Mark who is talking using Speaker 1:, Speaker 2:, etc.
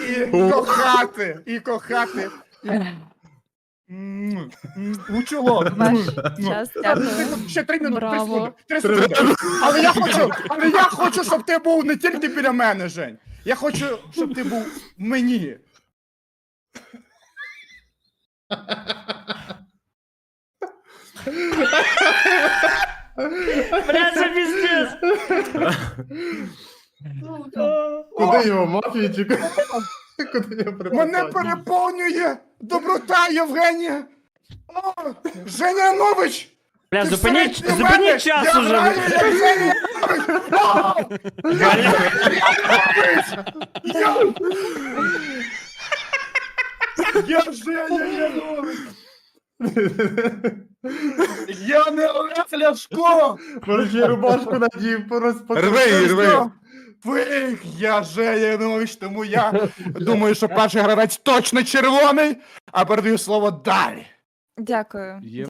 Speaker 1: І кохати, і кохати. У чоло.
Speaker 2: Ваш час, дякую.
Speaker 1: Ще 3 минути, 3
Speaker 2: Браво.
Speaker 1: секунди. 3 секунди. Але я хочу, щоб ти був не тільки біля мене, Жень. Я хочу, щоб ти був в мені.
Speaker 3: Бля, це пиздец.
Speaker 4: Куди його, мафію чи куди? Куди його приписати?
Speaker 1: Мене переповнює доброта Євгенія. О, Женя Янович!
Speaker 3: Бля,
Speaker 1: ти
Speaker 3: зупиніть
Speaker 1: всередині мене!
Speaker 3: час
Speaker 1: Я
Speaker 3: уже.
Speaker 1: граю, як Женя Янович! О, я Женя Янович! Я не Олег Ляшко!
Speaker 4: Може, рубашку надів,
Speaker 1: Рви, рви! Я Женя Янович, тому я думаю, що перший гравець точно червоний, а передаю слово далі.
Speaker 2: Дякую.